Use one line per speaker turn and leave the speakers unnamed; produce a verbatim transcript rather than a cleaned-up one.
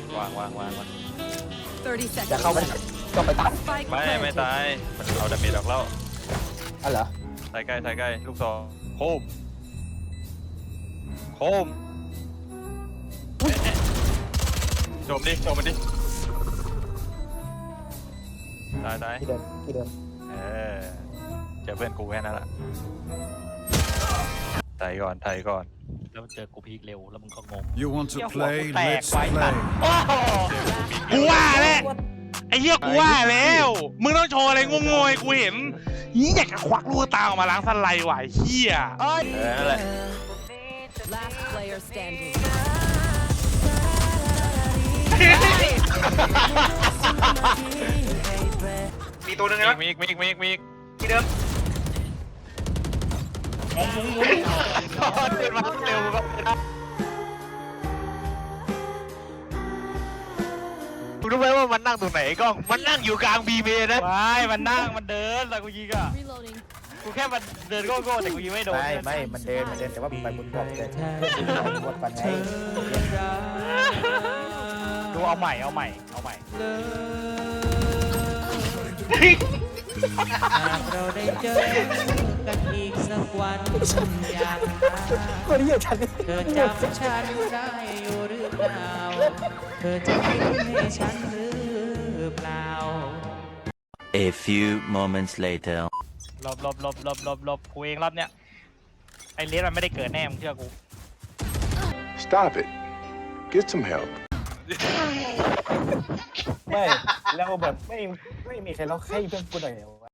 วางวางวางวาง
thirty
จะ
seconds
เข้าไป
left.
ก็ไปตัด
Spike
ไม่ไม่
planted.
ตายมันเอาดาเมจออกแล้ว
อ๋อเหรอ
ใส่ใกล้ใส่ใกล้ลูกซองโคมโคมเอ๊ะเอ๊ะโจมดิโจมมันดิตายตาย
ที่เดินที่เดิน
เออเจอเพื่อนกูแค่นั้นแหละไทยก่อนไทยก่อน
แล้วเจอกูพีคเร็วแล้วมึงก็งง
You want to
เหี้ยหัว
play?
กูแตก
Let's
ไว้ตัด
play.
โอ้โห
กูว่าแล้วไอ้เหี้ยกูว่าแล้ว มึงต้องโชว์อะไรงงๆให้กูเห็นนี่อยากจะควักลูกตาออกมาล้างสไลด์ว่ะไอ้เหี้ย
เออนั่นแหละ
Last player standing.
มีตัวหนึง
มี
นะ
อีกมีอีกมีอีกมีอีก
ที่เดิม
เดินมาเร็วก็มึงรู้ไหมว่ามันนั่งตรงไหนกล้องมันนั่งอยู่กลางบีเมนะ
ไม่มันนั่งมันเดินแต่กูยิงอ่ะ
Reloading.
กูแค่มันเดินโก้ๆแต่กูยิงไม่โดน
ไม่ไม่มันเดินมันเดินแต่ว่าไปบนบกเลยบนบกก่อนไง
ดูเอาใหม่เอาใหม่เอาใหม่
เราได้เจอกันอีกสักวันอยากหา
คนที่อยู่ชั้นนี้
เธอจำฉันได้อยู่หรือเปล่า เธอจะคิดให้ฉันหรือเปล่า
A few moments later.
หลบหลบหลบหลบหลบหลบกูเองรอบเนี้ยไอ้เลสมันไม่ได้เกิดแน่มึงเชื่อกู
Stop it. Get some help.
ไม่แล้วแบบไม่ไม่มีใครร้องให้เพื่อนกูหน่อยเหรอ